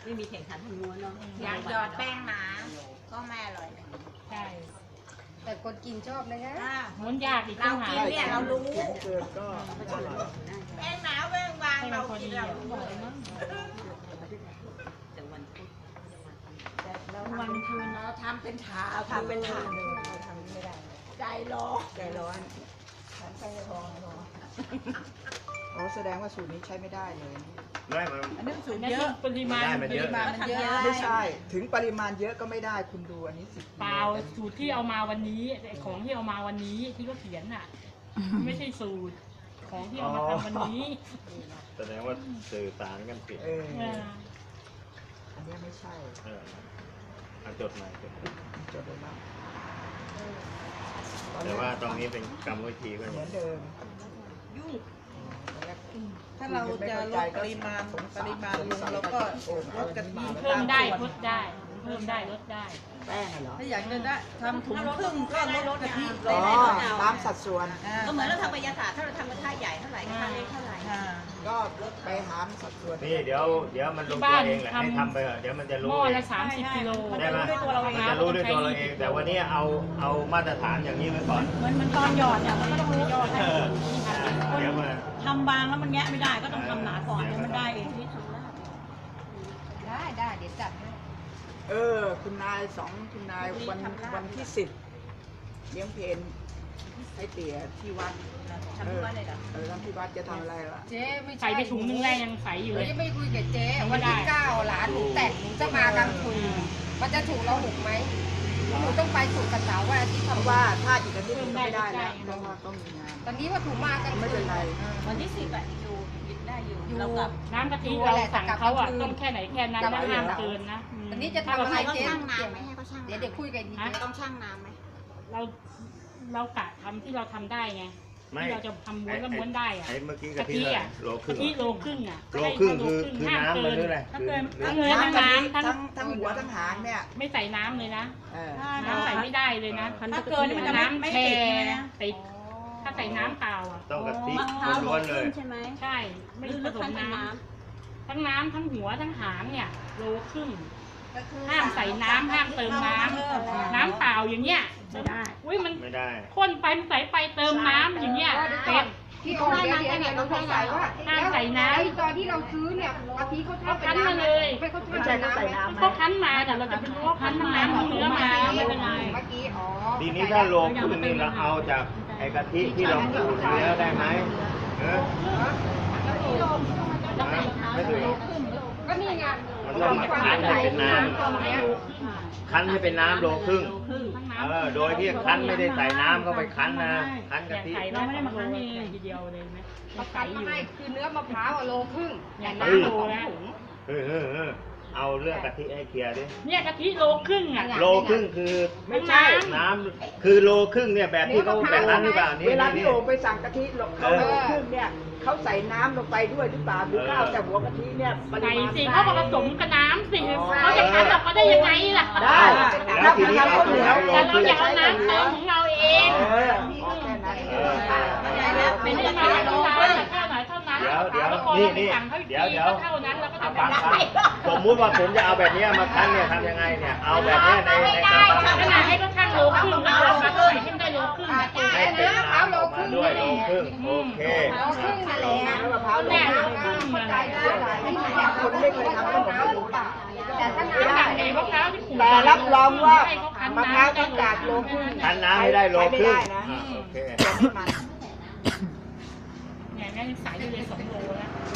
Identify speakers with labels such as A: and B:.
A: ไม่มีแข่งขันทางม้วนเนาะ
B: อยากหยอดแป้งหนาก็ไม่อร่อยเลย
C: ใช่
D: แต่คนกินชอบนะคะ
C: ม้วนยากอีก
B: เรา
C: ต่างหา
B: กินเนี่ยเรารู้
E: เกินก็อร่อย
B: แป้งหนาแป้งบาง
C: ให้มั
B: เรา
C: นพอ
B: กิ
C: ดี
B: นเรา
C: อ่ะ
B: รู้
C: บอกเลยมั้ง
A: แต่วันพุธ
B: วันคืนเราทำเป็นถาด
A: ทำเป็นถาด
D: เราทำไม่ได้
B: ใจร้อน
A: ใจร้อน
E: อ๋อแสดงว่าสูตรนี้ใช้ไม่ได้เลย
F: ไม่มัน
A: อันนี้สูตร
C: นั่น
A: เย
C: คือ
A: อะ
C: ปริมาณ
F: มันเยอะ
A: มันเยอะ
E: ไม่ใช่ ถึงปริมาณเยอะก็ไม่ได้คุณดูอันนี้10
C: เปล่าสูตรที่เอามาวันนี้ไอ้ของที่เอามาวันนี้ที่เขาเขียนน่ะ ไม่ใช่สูตรของที่เอามาทำวันนี้
F: แสดงว่าสื่อสารกันผิด
E: เออ
C: เออ
E: อันนี้ไม่ใช่
F: จดใหม่จดใหม่
E: จดเลยนะ
F: แต่ว่าตรงนี้เป็นกรรมวิธีก็
E: เห
F: อ
E: มื
F: ย่า
E: อง นเดิม
A: ยุ่ง
G: ถ้าเราจะลดปริมาณลงแล้วก็ลดกะทิ
C: เพิ่มได้ลดได้ เพิ่มได้ลดได้
E: แป้งเหรอ
G: ถ้าอยากจะได้ทำถุงครึ่งก็ลดกะทิล
E: อ๋
G: ง
E: อตามสัดส่วน
A: ก็เหมือนเราทำกายศาสตร์ถ้าเราทำกระทะใหญ่เท่าไหร่กระทะเล็กเท่าไหร่
E: ก็ไปหามสัดส่วน
F: นี่เดี๋ยวมันลงตัวเองแหละให้ทำไปเถอะเดี๋ยวมันจะ
C: ห
F: รู้
C: ม้อ
F: เอง
C: ละ30 กิโล
F: ได้ไหมมันจะรู้ด้วยตัวเราเอง แต่วันนี้เอามาตรฐานอย่างนี้ไว้ก่อน
G: เหมือนตอนหยอดเนี่ยมันก็ต้องรู้
F: เออเดี๋ยวมา
G: ทำบางแล้วมันแงะไม่ได้ก็ต้องทำหนาก่อนเดี๋ยวมันได้เอง
A: ที่ทำลาบ
D: ได้เดี๋ยวจัดให้
E: คุณนายคุณนายวันที่10เลี้ยงเพลให้เตี๋ยที่วัด
A: ทำที่ว่าอะไรเหรอ
E: ทำที่วัดจะทำอะไรล่ะ
D: เจ๊ไม่
C: ใส่
D: ใช่
C: ไปถุงนึงแรงยังใสอยู่
D: หนู
C: เลย
D: ยังไม่คุยกับเจ๊วันที่9หลานหนูแต่งหนูจะมากลางคืนมันจะถูกเราหุกไหมหนูต้องไปสู่กระเสาว่าที่
E: เพราะ
D: ทำ
E: ว่าถ้าอีกอาทิตย์นึงก็ไม่ได้แล้วเพราะว่าต้องมีงาน
D: ตอนนี้ว่าถูกมากลาง
E: ไม่
D: คื
E: เป็น
D: น
E: ไร
A: วันที่10อ่ะอยู่ยึดได้อยู่เรากลับ
C: น้ำกะทิเราสั่งเขาอ่ะต้มแค่ไหนแค่นั้นนะห้ามเกินนะ
D: อันนี้จะทำอะไร
B: ให้เขา
D: เจ๊
B: ช่างน้ำไหมให้เขาช่าง
D: เดี๋ยวคุยกันดีเจ๊
B: ต้องช่างน้ำไหม
C: เรากะทำที่เราทำได้ไง
F: ไม่
C: ที่เราจะทำม้วนก็ม้วนได้อ่ะ
F: ไอ้เมื่อกี้
C: กะ
F: กะทิ
C: ทิอ่ะ
F: โลค
C: กะ
F: รึ่ง
C: ทิโลครึ่งอ่ะ
F: โลครึ่งคือ
C: ห้าม
F: น้ำมันหรืออะไร
C: ถ้าเกิน
F: หรือ
C: ทั้งเนื้อทั้งน้ำ
E: ทั้งหัวทั้งหางเนี่ย
C: ไม่ใส่น้ำเลยนะ
E: เออ
C: น้ำใส่ไม่ได้เลยนะ
G: ถ้าเกินมันจะไม่
C: แช่
G: ติดใช่ไหมนะ
C: ติดถ้าใส่น้ำเปล่าอ่ะ
F: ต้องกะทิ
A: มะพร้าว
F: ล้วนๆเลย
A: ใช่ไหม
C: ใช่ ไม่
A: หรือ
C: ผ
A: ลึก
C: ส
A: ขั้
C: ม
A: นเป็น
C: น้
A: น้
C: ำทั้งน้ำทั้งหัวทั้งหางเนี่ยโลครึ่งห้ามใส่น้ำห้ามเติมน้ำน้ำเปล่าอย่างเงี้ยไม่ได้อุ้ยมัน
F: ไม่ได้
C: ข้นไปมันใส่ไปเติมน้ำอย่างเงี้ยเป็ด
D: พี่โอเดี๋ยวเราสงสัยว่า
C: ห้ามใส่น้ำ
D: ไอ้ตอนที่เราซื้อเนี่ยกะทิเขา
C: เขา
D: ทำเป็
C: คั้
D: น
C: นมา
D: น้ำ
C: เลย
D: ไม่เขา
E: ไม่ใช่
D: ทำ
E: เขาใส่น้ำไหม
C: เขาคั้นมาแต่เราจะไปรู้ว่าคั้นทั้งน้ำทั้งเนื้อมาไม่เป็นไร
D: เมื่อกี้อ๋อ
F: ทีนี้ถ้าโลครึ่งนี่เราเอาจากไอ้กะทิที่เราขูดแล้วได้ไหมเออไม่ถึง
D: ก็นี่ไง
F: มันต้องมาคั้นให้เป็นน้ำคั้นให้เป็นน้ำโลครึ่ง โดยที่คั้นไม่ได้ใส่น้ำเข้าไปคั้นนะ คั้นกะทิ
C: ใส่เราไม่ได้มาคั้นเองทีเดียวเลยไหม
D: เขาคั้นมาให้คือเนื้อมะพร้าวอะโลครึ่ง
C: อย่าง
D: แต่
C: น้ำ
D: น้ำ
C: โล
D: สอง
C: แล้ว
D: ถุง
F: เอาเรื่องกะทิให้เคลียร์ดิ
C: เนี่ยกะทิโลครึ่งอ่ะ
F: โลครึ่งคือ
E: ไม่ใช่
F: น้ำคือโลครึ่งเนี่ยแบบที่เขาแบบนั้นหรือเปล่านี่
E: เวลาพี่
F: นี่
E: โอไปสั่งกะทิเขาโลครึ่งเนี่ยเขาใส่น้ำลงไปด้วยหรือเปล่าหรือข้าวแต่หัวกะทิเนี่ยปริ
C: ใส่
E: มาณ
C: สิเขาก็ผสมกับน้ำสิเขาจะคั้นเราก็ได้ยังไงล่ะ
E: ได้
F: แล้วทีนี้เอา
E: เหนียว
F: โล
C: แต่
F: ค
C: เรา
F: รึ่ง
C: อยากเอาน้ำเติมของเราเอง
E: แค่นั้น
C: ไม่ได้มาเท่านั้นเท่าไหนเท่านั้น
F: เดี๋ยว
C: แล้วพอเราสั่งเขาเท่านั้นเราก็จะ
F: ฟัง
C: ได้
F: สมมุติว่าผมจะเอาแบบนี้มาคั้นเนี่ยทำยังไงเนี่ย เอาแบบนี้ในกระบัง
C: ขนาดให้ก็ช่างโลครึ่งแล้วเราใส่ให้ได้โลครึ่ง
F: ให้เป็นน้ำออกมาด้วยโลครึ่งโอเค
D: โลครึ่งนั่นแหละ
E: น้ำมะพร้าวโล
C: แม่
E: ค
C: โล
E: รึ่ง
C: ครึ่งมา
D: ใจได้หลายที่เนี่ยคนไม่เคยทำขนมไม่รู้ป่ะแต่ถ้า
C: ไม่
D: น้ำ
C: ได้
D: แบบ
C: ใน
D: นี้
C: มะพร้าวที่ขูด
E: แต่รับรองว่ามะพร้าวต้องจากโลครึ่ง
F: คั้นน้ำให้ได้โลครึ่ง
E: นะ
F: โอเค
E: จะไม่มัน
C: เนี่ยแม่ใส่ได้เลย2 โลแล้ว